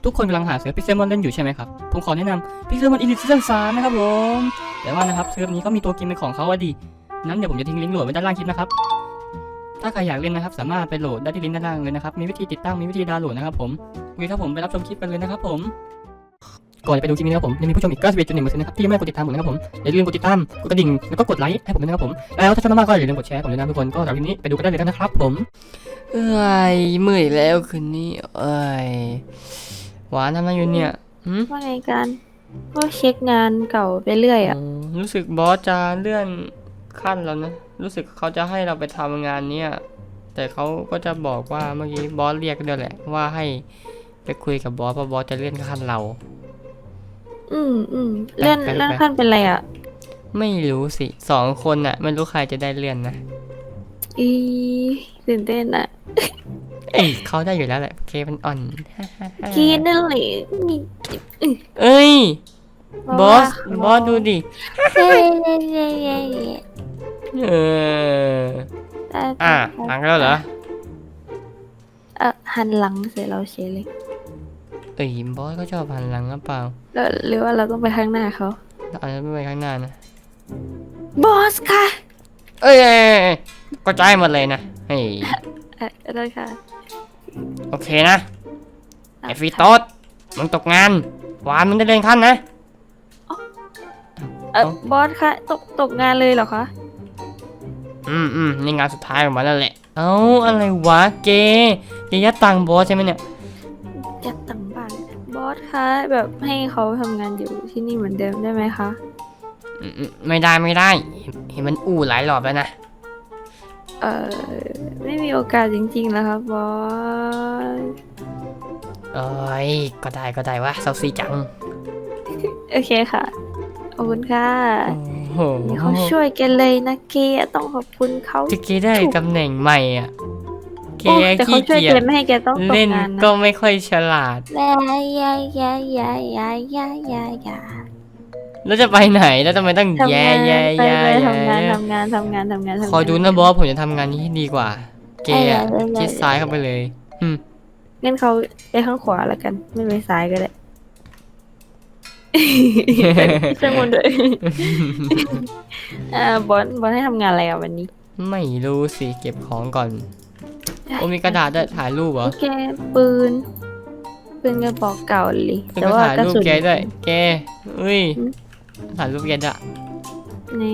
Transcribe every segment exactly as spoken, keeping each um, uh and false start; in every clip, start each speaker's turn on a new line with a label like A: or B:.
A: ทุกคนกำลังหาเซิร์ฟพิกเซลมอนเล่นอยู่ใช่ไหมครับผมขอแนะนำพิกเซลมอนอิลิทซีซั่นสามนะครับผมแต่ว่านะครับเซิร์ฟนี้ก็มีตัวเกมเป็นของเขาอะดีนั้นเดี๋ยวผมจะทิ้งลิงก์โหลดไว้ด้านล่างคลิปนะครับถ้าใครอยากเล่นนะครับสามารถไปโหลดได้ที่ลิงก์ด้านล่างเลยนะครับมีวิธีติดตั้งมีวิธีดาวน์โหลดนะครับผมโอเคครับผมไปรับชมคลิปกันเลยนะครับผมก่อนจะไปดูคลิปนี้นะครับผมยังมีผู้ชมอีก เก้าสิบเอ็ดจุดหนึ่งเปอร์เซ็นต์ นะครับที่ยังไม่กดติดตามผมนะครับผมอย่าลืมกดติดตามกดกระดิ่งแล้วก็กดไลค์ให้ผมด้วยนะครับผมแล้วถ้าชอบมากก็อย่าลืมกดแชร์ผมด้วยนะทุกคนก็สำหรับคลิปนี้ไปดูกันได้เลยนะครับผมเอ้ยเมื่อยแล้วคืนนี้เอ้ยหวานทำอะไรอยู่เนี่ย
B: ว่าไงกันก็เช็คงานเก่าไปเรื่อยอ่ะ
A: รู้สึกบอสจะเลื่อนขั้นแล้วนะรู้สึกเขาจะให้เราไปทำงานเนี้ยแต่เขาก็จะบอกว่าเมื่อกี้บอสเรียกด้วยแหละว่าให้ไปคุยกับบอสเพราะบอสจะเลื่อนขั้นเรา
B: อืมอืมเลื่อนเลื่อนขั้นเป็นไรอ่ะ
A: ไม่รู้สิสองคนน่ะไม่รู้ใครจะได้เลื่อนนะ
B: อีตื่นเต้นอ่ะ
A: เอ้ยเขาได้อยู่แล้วแหละเคมันอ่อน
B: กีนั่นแหละมี
A: เอ้ยบอสบอสดูดิ
B: เย้เย้เย้เย้เย้
A: เอออ่ะหันแล้วเหรอ
B: เออหันหลังเสร็จเราเฉยเลย
A: เอ้ยบอสก็ชอบหันหลังหรือเปล่า
B: แล้วหรือว่าเราต้องไปข้างหน้าเขา
A: เราอาจจะไม่ไปข้างหน้านะ
B: บอสค่ะ
A: เอ้ยก็ใจหมดเลยนะเฮ้ย
B: เออได้ค่ะ
A: โอเคนะไอฟีโต้มึงตกงานหวานมึงได้เลื่อนขั้นนะ
B: เออบอสค่ะตกตกงานเลยเหรอคะ
A: อืมอืมนี่งานสุดท้ายของมันแล้วแหละเอ้าอะไรวะเกยยัดตังบอสใช่ไหมเนี่ย
B: ยัดตังบ้านบอสคะแบบให้เขาทำงานอยู่ที่นี่เหมือนเดิมได้ไหมคะ
A: ไม่ได้ไม่ได้เห็นมันอู้หลายรอบแล้วนะ
B: เออไม่มีโอกาสจริงๆแล้วครับบอส
A: เอ้ยก็ได้ก็ได้วะเซาซีจัง
B: โอเคค่ะขอบคุณค่ะ
A: โอ้โห
B: เขาช่วยกันเลยนะเกต้องขอบคุณเขา
A: ที่เกได้ตำแหน่งใหม่อ่ะเกขี้เกียจ
B: ไม่ให้แกต้องตกงานนะ
A: เล่นก็ไม่ค่อยฉลาด
B: ยายายายายายายายา
A: แล้วจะไปไหนแล้วทำไมต้องแย่แย่แย่
B: ทำงานทำงานทำงานทำงาน
A: คอยดูนะบอสผมจะทำงานนี้ให้ดีกว่าเกย์ชิดซ้ายเข้าไปเลยอืม
B: งั้นเขาไปข้างขวาแล้วกันไม่ไปซ้ายก็ได้ช่างมันเลยอ่าบอสบอสให้ทำงานอะไรอ่ะวันนี้
A: ไม่รู้สิเก็บของก่อนโอ้มีกระดาษด้วยถ่ายรูปเหรอ
B: แกปืนปืนกระบอกเก่าเลย
A: แต่ว่ากระสุนแกด้วยแกเอ้ยถ่ายรูปแกด้วย
B: นี่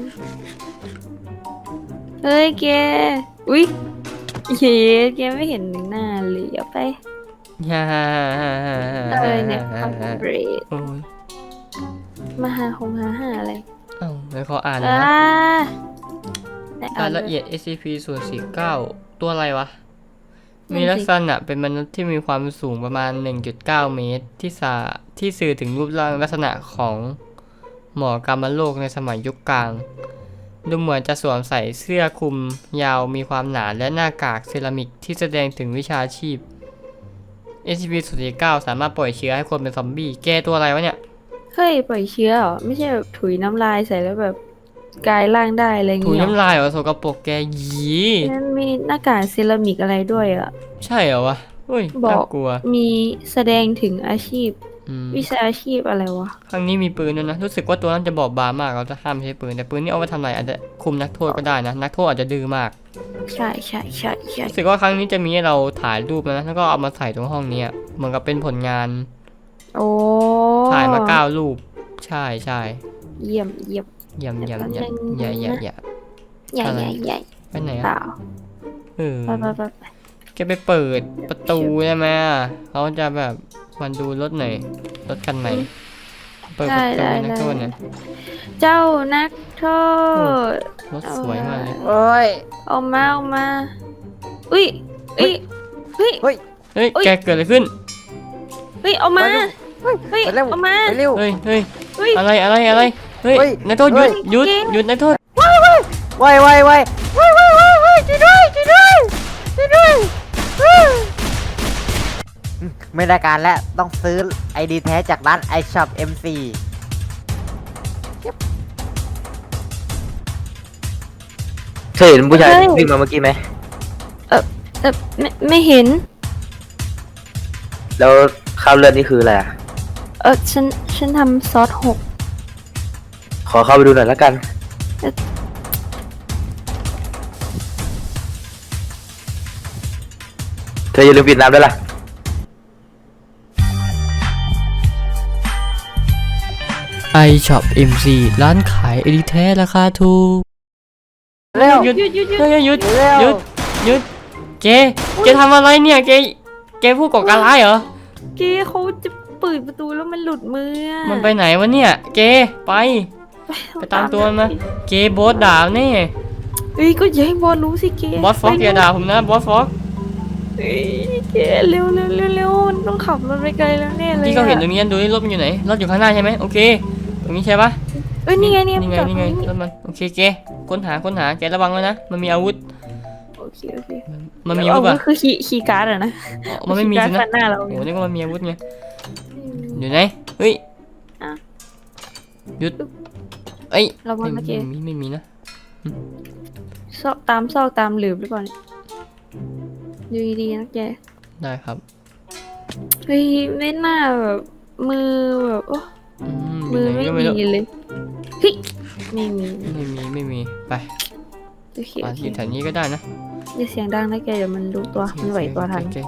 B: เฮ้ยแกอุ้ยเย้แกไม่เห็นหน้าเลยเอาไป
A: ฮ่าฮ่าฮ่าฮ่า
B: เอ้ยเนี่ยคอมเบรด
A: โอ้ย
B: มาหาคงหาหาอะไร
A: เอ้าแล้วเขาอ่านนะรายละเอียด เอส ซี พี ส่วนสี่สิบเก้าตัวอะไรวะมีลักษณะเป็นมนุษย์ที่มีความสูงประมาณ หนึ่งจุดเก้า เมตรที่สาที่สื่อถึงรูปร่างลักษณะของหมอกามโลกในสมัยยุคกลางดูเหมือนจะสวมใส่เสื้อคลุมยาวมีความหนาและหน้ากากเซรามิกที่แสดงถึงวิชาชีพ เอส ซี พี ส่วนสี่สิบเก้าสามารถปล่อยเชื้อให้คนเป็นซอมบี้แกตัวอะไรวะเนี่ย
B: เฮ้ยปล่อยเชื้อเหรอไม่ใช่แบบถุยน้ำลายใส่แล้วแบบกลายร่างได้อะไรเงี้ย
A: ถุยน้ำลายเหรอโสกปรกแกยี
B: มันมีหน้ากากเซรามิกอะไรด้วยอ่ะ
A: ใช่เหรอวะเฮ้ยน่ากลัว
B: มีแสดงถึงอาชีพวิชาอาชีพอะไรวะ
A: ครั้งนี้มีปืนด้วยนะรู้สึกว่าตัวนั้นจะบอบบางมากเราจะห้ามใช้ปืนแต่ปืนนี่เอาไปทำอะไรอาจจะคุมนักโทษก็ได้นะนักโทษอาจจะดื้อมาก
B: ใช่ใช่ใช่ใช่
A: รู้สึกว่าครั้งนี้จะมีให้เราถ่ายรูปนะแล้วก็เอามาใส่ตรงห้องนี้เหมือนกับเป็นผลงาน
B: โอ้
A: ถ่ายมาเก้ารูปใช่ใช่
B: เยี่ยมเยี่ยม
A: เยี่ยมเยี่ยมเยี่ยมใหญ่ใหญ่ใหญ่
B: ใหญ่ใหญ่ใหญ่
A: ไปไหนอ่ะเออ
B: ไปไปไป
A: แกไปเปิดประตูใช่ไหมเขาจะแบบมันดูรถไหนรถคันไหนเปิดประตูนักโทษเนี่ย
B: เจ้านักโทษ
A: รถสวยมากเลย
B: โอ้ยออกมาออกมาอุ้ยอุ้ยเฮ้ย
A: เฮ้ยเฮ้ยแกเกิดอะไรขึ้น
B: เฮ้ยออกมาเฮ้ยออกมา
A: เฮ้ยเฮ้ยเฮ้ยอะไรอะไรอะไรเฮ้ยนักโทษหยุดหยุดหยุดนักโทษ
C: ว้ายว้ายว้ายว้ายว้ายว้ายว้ายช่วยด้วยช่วยด้วยช่วยด้วยไม่ได้การแล้วต้องซื้อไอดีแท้จากร้าน ไอ ช็อป เอ็ม ซี
D: เคยเห็นผู้ชายวิ่งมาเมื่อกี้ไหม
B: เออเออไม่ไม่เห็น
D: แล้วใครข้าวเลือดนี่คืออะไรอะ
B: เออฉันฉันทำซอสหก
D: ขอเข้าไปดูหน่อยแล้วกัน เธออย่าลืมปิดน้ำด้วยล่ะ
A: ไอช็อป เอ็ม ซี ร้านขายเอลิแท้ราคาถูก
C: เร็ว
A: หยุด
B: หยุดหยุดหยุด
A: เฮ้ยหยุด
C: เร็ว
A: หยุดหยุดเกเกทำอะไรเนี่ยเกเกผู้ก่อการร้ายเหรอ
B: เกเขาจะเปิดประตูแล้วมันหลุดมืออะ
A: มันไปไหนวะเนี่ยเกไป ไปตามตัวมันมา เกบอสด่าแน่
B: เอ้ยก็อย่าให้บอสรู้สิเก
A: บอสฟ็อกอย่าด่าผมนะบอสฟ็อก
B: เอ้ยเกเร็วเร็วเร็วเร็วมันต้องขับรถไปไกลแล้วแน่เลย
A: ที่เขาเห็นตรง
B: อะ
A: นี้ดูนี่รถมันอยู่ไหนรถอยู่ข้างหน้าใช่ไหมโอเค ตรงนี้ใช่ปะ
B: เอ้ยนี่ไงเนี่ย
A: นี่ไง
B: จอด
A: นี่ไง
B: ตรง
A: รถมันโอเคเกค้นหาค้นหาแกระวังไว้นะมันมีอาวุธ
B: โอเคโอเค
A: มันมีอาวุธ
B: เอ
A: ป่ะ
B: คือขี่ขี่การ์ดอะนะ
A: อ๋อมันไม่มี
B: ขี่
A: สิ
B: การ์ด
A: นะ
B: ฟันหน้าเรา
A: โอ้โหนี่ก็มันมีอาวุธไงอยู่ไหนเฮ้ย
B: อ่ะ
A: หยุดเอ้ย
B: ระวัง
A: ไม่
B: นะเก
A: มีไม่มีนะ
B: ซอกตามซอกตามหลืบหรือเปล่าเนี่ยดูดีๆนะแก
A: ได้ครับ
B: เฮ้ยไม่น่าแบบมือแบบโอ้
A: อืม
B: มือ
A: อยู่ไหน
B: ไม่
A: ก็ไม่รู้
B: มีเลยเฮ้ยไม่มี
A: ไม่มีไม่มีไป
B: โอเค
A: อ่ะ
B: โอเค
A: อยู่แถวนี้ก็ได้นะ
B: อย่าเสียงดังนะแกเดี๋ยวมันรู้ตัวมันไหวตัวทัน
A: โอเค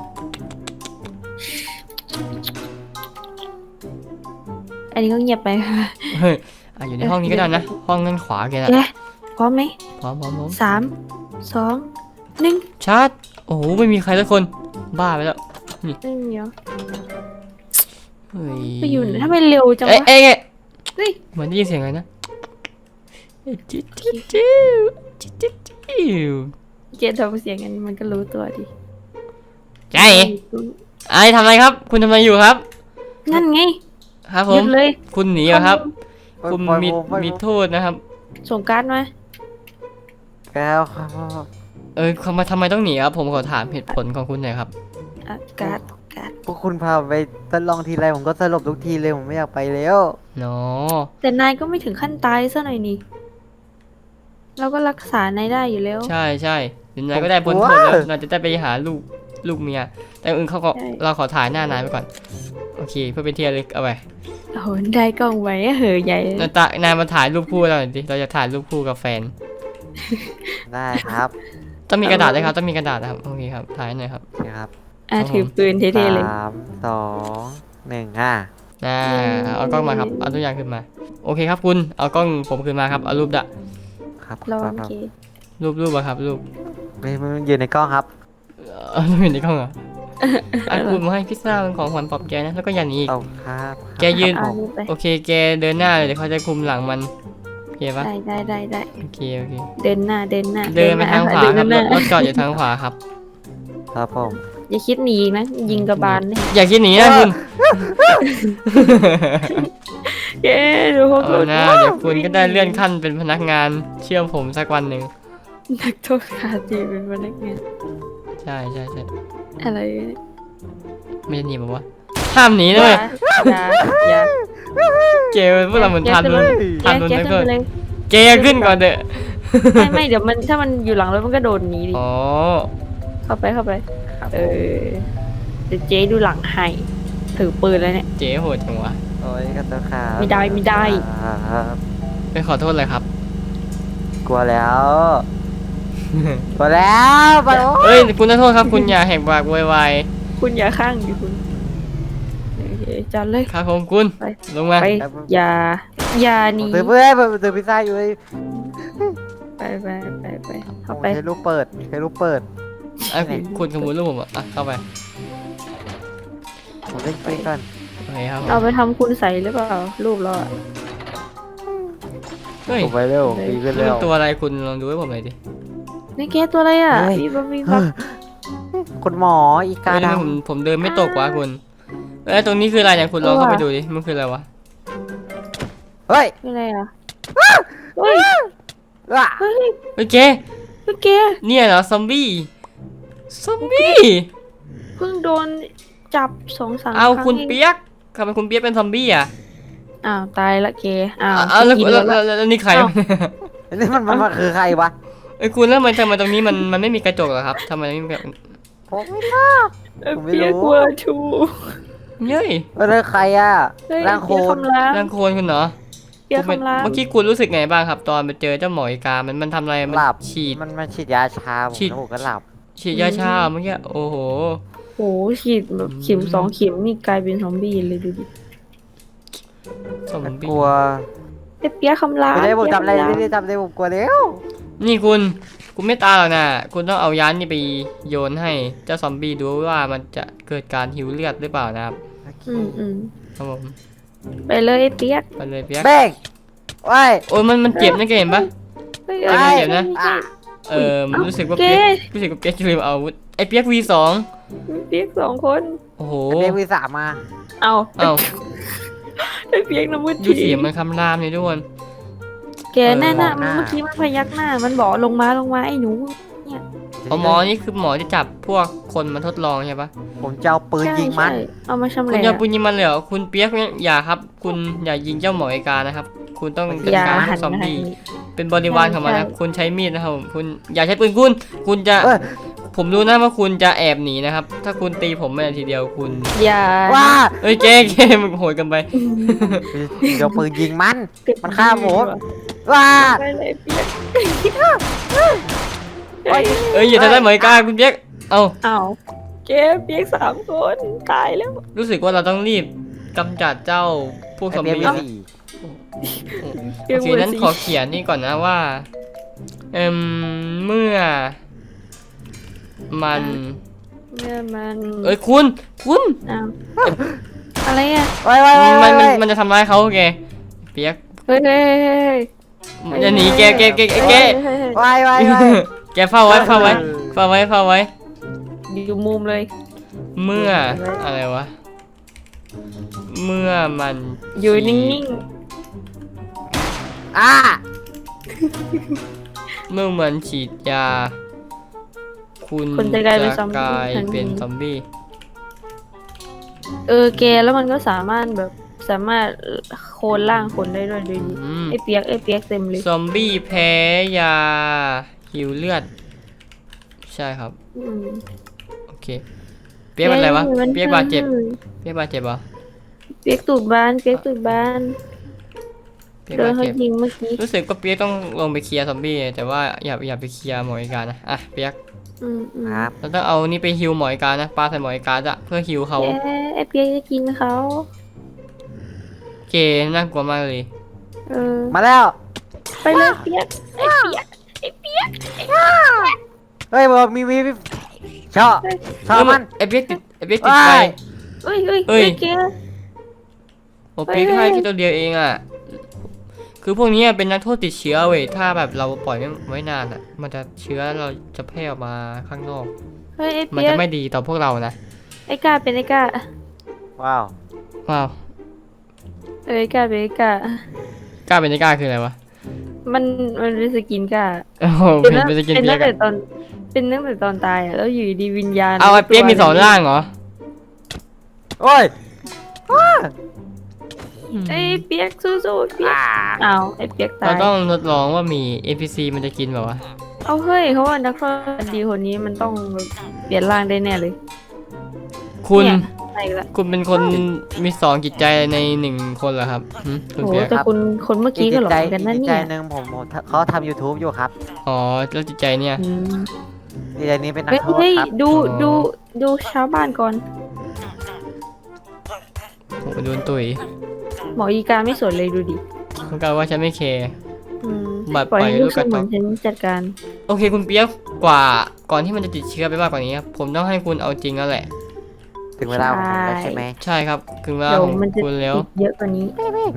B: อันนี้ก็เงียบไป
A: เฮ้ยอ่ะอยู่ในห้องนี้ก็ได้นะห้องด้านขวาแกนะ
B: แกพร้อมไหม
A: พร้อมพร้อมพร้อม
B: สามสองหนึ่ง
A: ชาร์จโอ้โหไม่มีใครสักคนบ้าไปแล้ว
B: ไม่มีเหรอ
A: เฮ้ย
B: ไปอยู่ไหนทำไมเร็วจัง
A: เอ้ยว
B: ะ
A: เอ้ยเอ้ย
B: เฮ้ย
A: เหมือนได้ยินเสียงอะไรนะจิ๊ดจิ๊ดจิ๊ดจิ๊ดจิ๊ดจิ๊ด
B: เกทำเสียงกันมันก็รู้ตัวดิ
A: ใจไอ้ทำอะไรครับ คุณทำอะไรอยู่ครับ
B: นั่นไง
A: ครับผ
B: หยุ
A: ม
B: ดเลย
A: คุณหนีเหรอครับ
C: ปล่อย
A: คุณ
C: ปล่อย
A: มี
C: ผมปล่อย
A: มี
C: ผม
A: โทษนะครับ
B: ส่งการ์ดมา
C: แก้วครับ
A: เออทำไมทำไมต้องหนีครับ ผมขอถามเหตุผลของคุณหน่อยครับ
B: อ่ะการ์ดการ์ด
C: พวกคุณพาไปทดลองทีไรผมก็สลบทุกทีเลยผมไม่อยากไปแล้ว
A: เนาะ
B: แต่นายก็ไม่ถึงขั้นตายซะหน่อยนี่เราก็รักษานายได้อยู่แล้ว
A: ใช่ใช่เดี๋ยวนายก็ได้พ้นโทษแล้วนายจะได้ไปหาลูกลูกเมีย แต่อื่นเขาก็
B: ใช่
A: เราขอถ่ายหน้านายไปก่อน โอเค เพื่อเป็นที่ระลึกเอาไป
B: โอ้โหได้กล้องไว้อะเหอะใหญ่เลย
A: นายตานายมาถ่ายรูปคู่เราหน่อยดิเราจะถ่ายรูปคู่กับแฟน
C: ได้ครับ
A: ต้องมีกระดาษด้วยครับ ต้องมีกระดาษนะครับ โอเคครับ ถ่ายหน่อยครับ
C: โอเคครับ
B: อ่ะ
A: ครับผม
B: ถือปืนเท่ๆเลย
C: สามสองหนึ่งอ่ะ
A: อ่าเอากล้องมาครับ เอาตัวอย่างขึ้นมา โอเคครับคุณ เอากล้องผมขึ้นมาครับ เอารูปดะ
C: ครับ
B: ระวัง
C: ครับ
B: เก
A: รูปรูปอะครับ รูป
C: ไม่ไม่ยืนในกล้องครับ
A: เออรูปอยู่ในกล้องเหรออ่ะคุณมาให้พิซซ่าเป็นของขวัญปลอบใจนะ แล้วก็อย่าหนีอีก
C: เอาครับ
A: แกยืน
B: เอารูปไป
A: โอเค แกเดินหน้าเลยเดี๋ยวเขาจะคุมหลังมันโอเคปะ
B: ได้ได้ได้ได้
A: โอเค โอเค
B: เดินหน้าเดินหน้า
A: เดินไปทางขวา
B: เดิน
A: ครับ
B: ห
A: ร
B: น้า
A: ถรถจอดอยู่ทางขวาครับ
C: ครับผม
B: อย่าคิดหนีอีกนะยิงกระบาลเนี่ย
A: อย่าคิดหนีนะคุณ
B: เย้ดูพวก
A: เอานะเดี๋ยวคุณก็ได้เลื่อนขั้นเป็นพนักงานเชื่อผมสักวันหนึ่ง
B: นักโทษคาตีเป็นพนักงาน
A: ใช่ใช่ใช่
B: อะไรเนี่ย
A: ไม่จะหนีบอกว่าห้ามหนีเลย
B: อย่าอย่า
A: เกลพวกเราเหมือนทันลุน
B: แก
A: ทันลุน
B: แก
A: แล้ว
B: ขึ้น
A: ก็
B: ไปเลย
A: เกขึ้นก่อนเถอะ
B: ไม่ไม่เดี๋ยวมันถ้ามันอยู่หลังรถมันก็โดนหนีดิ
A: อ๋อ
B: เข้าไปเข้าไป
C: ครับ
B: เออเดี๋ยวเจ๊ดูหลังให้ถือปืนแล้วเนี่ย
A: เจ๊โหดจังวะ
C: โอ้ยกันตัวครับ
B: ไม่ได้ไม่ได้
C: ครับ
A: ไปขอโทษเลยครับ
C: กลัวแล้ว กลัวแล้วไปโอ้
A: เอ้ยคุณขอโทษครับคุณอย่าแหกปากโวยวาย
B: คุณอย่าข้างดิคุณโอเคจอดเลย
A: ครับผมคุณ
B: ไป
A: ลงมา
B: ไปอย่าอย่าหนี
C: ผมซื้อเพื่อนผมซื้อพิซซ่าอยู่เลย
B: ไปไปไปไป
C: ผ
B: เข้าม ไป
C: ใช้ลูกเปิดใช้ลูกเปิด
A: อ่ะคุณคุณขโมยรูปผมอ่ะอ่ะเข้าไป
C: ผมเล่นไปก่อน
A: โอเคครับผม
B: เอาไปทำคุณใส่หรือเปล่ารูปเราอะ
A: เฮ้ย
C: ผมไปเร็วปีขึ้น
A: นี่
C: เร็
A: มั
C: วน
A: ตัวอะไรคุณลองดูให้ผมหน่อยดิ
B: นี่แกตัวอะไรอ่ะ
C: เฮ้ย
B: มีบะมีบัก
C: คุณหมออีกา
A: เฮ้ย
C: ด
A: ผมผมเดินไม่ตกวะคุณเอ้ยตรงนี้คืออะไรเนี่ยคุณลองเข้าไปดูดิมันคืออะไรวะ
C: ำเฮ้ย
B: เป็นอะไรอ่ะเฮ้ย
C: ว้า
B: เฮ้ย
A: เฮ้ยเจ
B: เฮ้ยแก
A: เนี่ยเหรอซอมบี้ซอมบี้
B: เพิ่งโดนจับสองสาม
A: เอา
B: ครั้ง
A: คุณ
B: เอง
A: เปียกทำไมคุณเปียกเป็นซอมบี้อ่ะ
B: อ้าวตายละแกอ้าว
A: อ้าวแล้ว
B: กิน
A: แล้ว
B: แล้ว
A: แล้วแล้วนี่ใคร
B: อ้าว
C: นี่มันมันมันคือใครวะ
A: เอ้ยคุณแล้วทำไมทำไมตรงนี้มันมันไม่มีกระจกเหรอครับทำไมไม่มีแบบ
C: ผมไม่
B: เอ้ย
C: ผมไม่
B: เปียก
C: รู้
B: กลัวทู
A: เฮ้ย
C: เออแล้วใครอ่ะ
B: เฮ้ย
C: ร่างโค
B: เปียก
C: น
B: คำราม
A: ร่างโคลนคุณเหรอ
B: เปียก
A: คุณเป็น
B: คำราม
A: เมื่อกี้คุณรู้สึกไงบ้างครับ ตอนไปเจอเจ้าหมออีกา มันมันทำอะไร มัน
C: หลับ
A: ฉีด
C: มันมันฉีดยาชาผม
A: ฉีด
C: แล้วผมก็หลับ
A: ฉีดยาชาเมื่อกี้ โอ้โห
B: โหฉีดแบบเข็มสองเข็มนี่กลายเป็นซอมบี้เลยดูดิ
A: ซอม
C: มัน
A: บี้
C: กลัว
B: ไอ้เปียกคำราม
C: ไม่ได้ผมทำอะไร
B: เปี๊ยก
C: ไม่
B: คำราม
C: ได้ทำอะไรผมกลัวแล้ว
A: นี่คุณ คุณไม่ตายหรอกนะ คุณต้องเอายานนี่ไปโยนให้เจ้าซอมบี้ดูว่ามันจะเกิดการหิวเลือดหรือเปล่านะครับ
B: อืมอืม
A: ครับผม
B: ไปเลยไอ้เปียก
A: ไปเลยเปียก
C: เบ้งไว้
A: โอ้ยมันมันเจ็บนะแกเห็นปะ
B: เฮ้ย
A: เจ็บนะเจ็บนะ
B: ไม่ใช่
A: เออมันรู้สึกว่า
B: เก๊
A: เปียกรู้สึกว่าเปียกจะลืมเอาอาวุธไอ้เปียก วี สอง
B: เปียกสองคน
A: โอ้โห
C: เบ้งวีสามมา
B: เอา
A: เอ้า
B: ไอ้เปียกน้ำมือ
A: ดูเสียงมันคำรามเลยทุกคน
B: แกแน่น่ะเมื่อกี้มันพยักหน้า มันบอกลงมาลงมาไอ้หนู
A: เอาหมอนี่คือหมอที่จับพวกคนมาทดลองใช่ปะ
C: ผมจะเอาปืนยิงมัน
B: ใช่เอามาชำแห
A: คุณ
B: ละ
A: อย่าปุญยิงมันเลยเหรอคุณเปียกเนี่ยอย่าครับ คุณอย่ายิงเจ้าหมอไอกานะครับ คุณต้องจัด
B: อย่า
A: การ
B: หั
A: พวน กซอม
B: มาทาง
A: บี้
B: นี้
A: เป็นบริวารของมันนะครับ
B: ใช่
A: คุณใช้มีดนะครับผมคุณอย่าใช้ปืนคุณ คุณจะ
C: เอ้ย
A: ผมรู้นะว่าคุณจะแอบหนีนะครับ ถ้าคุณตีผมไม่ได้ทีเดียวคุณ
B: อย่า
C: ว้า
A: เอ้ยเกเกมันโหดกันไป
C: เดี๋ยวปืนยิงมัน มันฆ่าผม ว้า
B: ไปเลยเปียก
C: โอ้ย
A: เอ้ยอย่าทำได้ายหมอไอกาคุณเปียกเอ้า
B: เอาแกเปียกสามคนตายแล้ว
A: รู้สึกว่าเราต้องรีบกำจัดเจ้าพวกซอม
C: ไอ้เบ้ง
A: บี้
C: วี
A: นะ
C: สี่
B: เปีย
A: โอก เค
B: เวอร์
A: นั้น
B: ซี
A: ขอเขียนนี่ก่อนนะว่า เอ่มเมื่อ มัน
B: เมื่อมัน
A: เอ้ยคุณ คุณ
B: อ้าวอะไรอ่ะ
C: ไว้ไว้ไว้
A: มั
C: ไว้
A: นมัน
C: ไว้
A: มันจะทำร้ายเขาแกเปียก
B: เฮ้ยเฮ้ยเฮ้ยเฮ้ย
A: มันจะหนีแกแกแกแกแก
B: เฮ้ยเฮ้ยเฮ้ย
C: ไว้ไว้ไว้
A: แกเฝ้าไว้เฝ้าไว้เฝ้าไว้เฝ้าไว้
B: อยู่มุมเลย
A: เมื่ออะไรวะ เมื่อมัน
B: อยู่นิ่ง
C: อ่า
A: เมื่อมันฉีดยา คุณ
B: ๆ คนจะกลายเป็นซอม
A: ก
B: บี้
A: ลาย
B: ทัน
A: เป็
B: ที
A: นซอมบี้
B: เออแกแล้วมันก็สามารถแบบสามารถโคลนร่างคนได้ด้วยดูดิ
A: อืม
B: ไอ้เปียกไอ้เปียกเต็มเลย
A: ซอมบี้แพ้ยาหิวเลือด ใช่ครับ
B: อืม
A: โอเค เปียกเป็นอะไรวะ
B: มัน
A: เปียกบาดเจ็บ
B: เลย
A: เปียกบาดเจ็บเหรอ
B: เปียกตูดบานเปียกตูดบาน
A: เปียก
B: โดน
A: บาด
B: เขา
A: เจ็บ
B: ยิงเมื่อกี้
A: รู้สึกว่าเปียกต้องลงไปเคลียร์ซอมบี้แต่ว่าอย่าอย่าไปเคลียร์หมออีกานะ อ่ะเปียก
B: อืมอืม
C: ครับ
A: เราต้องเอานี่ไปฮิวหมออีกานะปาใส่หมออีกาจะเพื่อฮิวเขา
B: แกไอ้เปียกจะกินเขา
A: เกน่ากลัวมากเลย
B: เออ
C: มาแล้ว
B: ไปเลยเปียกไอ้เปียกไอ้เปียก
C: เฮ้ยบอกมีมีมีชอบชอบมัน
A: ไอเปียกติดไอเปียกติดไฟ
C: ว้าย
B: เฮ้ยเฮ้ย
A: เอ้
B: เฮ้
A: ย
B: ยแก
A: โอเปียกให้แค่ตัวเดียวเองอ่ะ คือพวกนี้เป็นนักโทษติดเชื้อเว้ย ถ้าแบบเราปล่อยไม่ไว้นานอ่ะ มันจะเชื้อเราจะแพร่ออกมาข้างนอก
B: เฮ้ยไอ้
A: มัน
B: เปีย
A: จะ
B: ก
A: ไม่ดีต่อพวกเรานะ
B: ไอ้กาเป็นไอ้กา
C: ว้าว
A: ว้าว
B: เออไอ้กาเป็นไอ้กาก
A: ล้าเป็นไม่กล้าคืออะไรวะ
B: มันมันเป็นสกินกา
A: โอ้โห
B: เป็น
A: เป็น
B: ตั้ง
A: เป็นสกิน
B: เป็น
A: เปีย
B: ตั้
A: ก
B: งแต่
A: อะ
B: ตอนเป็นตั้งแต่ตอนตายอ่ะแล้วอยู่ดีวิญญาณ
A: เอาไอเปียกมีสองร่างเหรอ
C: โอ้ย
B: ไอ้เปียกสู้ๆเปียก
C: อ่า
B: อ้าวไอ้เปียกตา
A: เรา
B: ย
A: ต้องทดลองว่ามี เอ็น พี ซี มันจะกินแบบวะ
B: เอาเฮ้ยเขาว่านักโทษดีคนนี้มันต้องเปลี่ยนร่างได้แน่เลย
A: คุณ
B: เนี่ยไปอีกแล้ว
A: คุณเป็นคนมีสองจิตใจในหนึ่งคนเหรอครับหึคุณ
B: โห
A: เปียก
B: แต่คนคนเมื่อกี้ก็หลอก
C: ใจ
B: กันนั่น
C: อีก
B: เนี่
C: ใจ
B: ย
C: หนึ่งผมผมเขาทำ YouTube อยู่ครับ
A: อ๋อแล้วจิตใจเนี่ย
B: อืม
C: อีกใจนี้เป็นนัก
B: เฮ้ย
C: โทษ
B: เฮ้ย
C: ครับ
B: ดู
A: อ๋อ
B: ดูดูชาวบ้านก่อน
A: โหโดนตุย
B: หมออีกาไม่สนเลยดูดิ
A: เขากล่าวว่าฉันไม่แคร์
B: อืม
A: บัด
B: ปล่อยให้
A: ปล่อย
B: ลูก
A: ลูกกระ
B: ส
A: จ
B: มุ
A: อก
B: นฉันจัดการ
A: โอเคคุณเปียกกว่าก่อนที่มันจะติดเชื้อไปมากกว่านี้ครับผมต้องให้คุณเอาจริงแล้วแหละ
C: ถึงเวลาของผมแล้วใช่ไหม
A: ใช่ครับถึงเวลา
B: เดี๋ยว
A: ของ
B: มันจะ
A: คุณแล้ว
B: ติดเยอะกว่านี้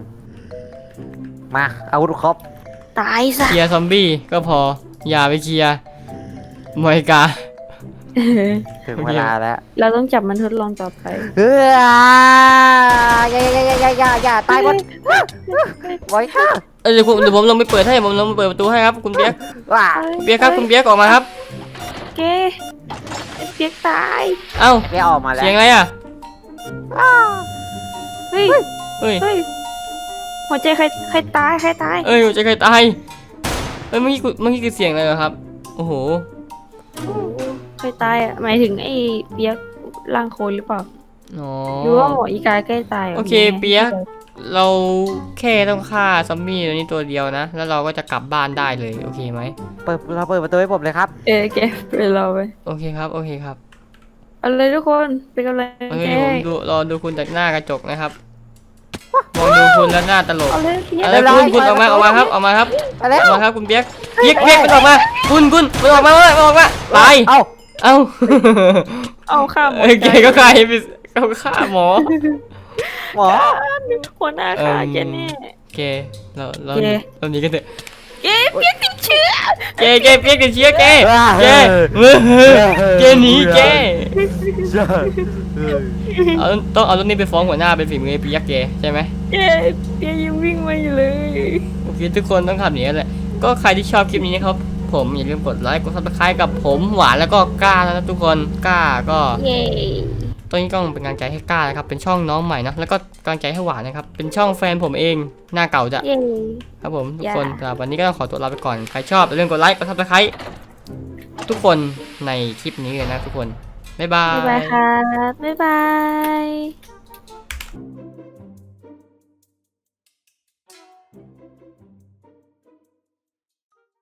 C: มาอาวุธครบ
B: ตายซะ
A: เคลียร์ซอมบี้ก็พออย่าไปเคลียร์มอยกา
C: ถึงเวลาแล้ว
B: เราต้องจับมันทดลองต่อไป
C: เฮ้ยอย่าอย่าอย่าอย่าอย่าอย่าตายหมดไว้ค่ะ
A: เออเดี๋ยวผมเดี๋ยวผมลงไปเปิดให้ผมลงไปเปิดประตูให้ครับคุณเปียก
C: ว้า
A: คุณเปียกครับคุณเปียกออกมาครับ
B: เกไอ้เปียกตาย
A: เอ้า
C: เรียกออกมาแล้ว
A: เสียงอะไรอ่ะ
B: เฮ้ย
A: เฮ้ย
B: เฮ้ยหัวใจใครใครตายใครตาย
A: เอ้ยหัวใจใครตายเอ้ยเมื่อกี้กูเมื่อกี้คือเสียงอะไรเหรอครับโอ้โห
B: ใครตายอ่ะหมายถึงไอ้เปียกร่างโคลนหรือเปล่า
A: อ๋อ
B: ดูว่าหมออีกาใกล้ตายหร
A: โอเคเปียก เราแค่ต้องฆ่าซอมบี้ตัวนี้ตัวเดียวนะ แล้วเราก็จะกลับบ้านได้เลยโอเคไหม
C: เปิดเราเปิดประตูให้ผมเลยครับ
B: เออแกไปเราไป
A: โอเคครับโอเคครับ
B: เอาเลยทุกคนเป็นกำลัง
A: เฮ้ย
B: ใจ
A: ผมดูรอดูคุณจากหน้ากระจกนะครับมองดูคุณแล้วหน้าตลก
B: เอาเลยเพีย
A: อะไรคุณคุณออกมาออกมาครับออกมาครับ
C: ไปแล้
A: อ
C: ว
A: อกมาครับคุณเปียกเปียกเปียกมันออกมาคุณคุณมันออกมาเลยมันออกมาตาย
C: เอ้า
A: เอ้า
B: เอาข้ามหมด
A: เอ้ยแกก็ฆ่าให้ไปเขาฆ่าหมอ
C: หมอ
B: หัวหน้าค่ะแกแน่
A: แกเราเรา
B: แก
A: เราหนีกันเถอะ
B: แกเปียกติดเชื้อ
A: แกแกเปียกติดเชื้อแกแกแกหนีแกเอาต้องเอารถนี้ไปฟ้องหัวหน้าเป็นฝีมือไอ้เปียกแกใช่ไหม
B: แกเปียกยังวิ่งมาอยู่เลย
A: โอเคทุกคนต้องทำอย่างนี้แหละก็ใครที่ชอบคลิปนี้นะครับผมอย่าลืมกดไลค์กดซับสไครต์กับผมหวานแล้วก็กล้าแล้วนะทุกคนกล้าก็
B: เย้
A: ตอนนี้ก็เป็นกำลังใจให้กล้านะครับเป็นช่องน้องใหม่นะแล้วก็กำลังใจให้หวานนะครับเป็นช่องแฟนผมเองหน้าเก่าจะ
B: เย้
A: ครับผมทุก
B: อย่า
A: คนสำหรับวันนี้ก็ต้องขอตัวลาไปก่อนใครชอบอย่าลืมกดไลค์กดซับสไครต์ทุกคนในคลิปนี้เลยนะทุกคนบ๊ายบา
B: บ๊ายบาย
A: ย
B: ครับบ๊ายบาย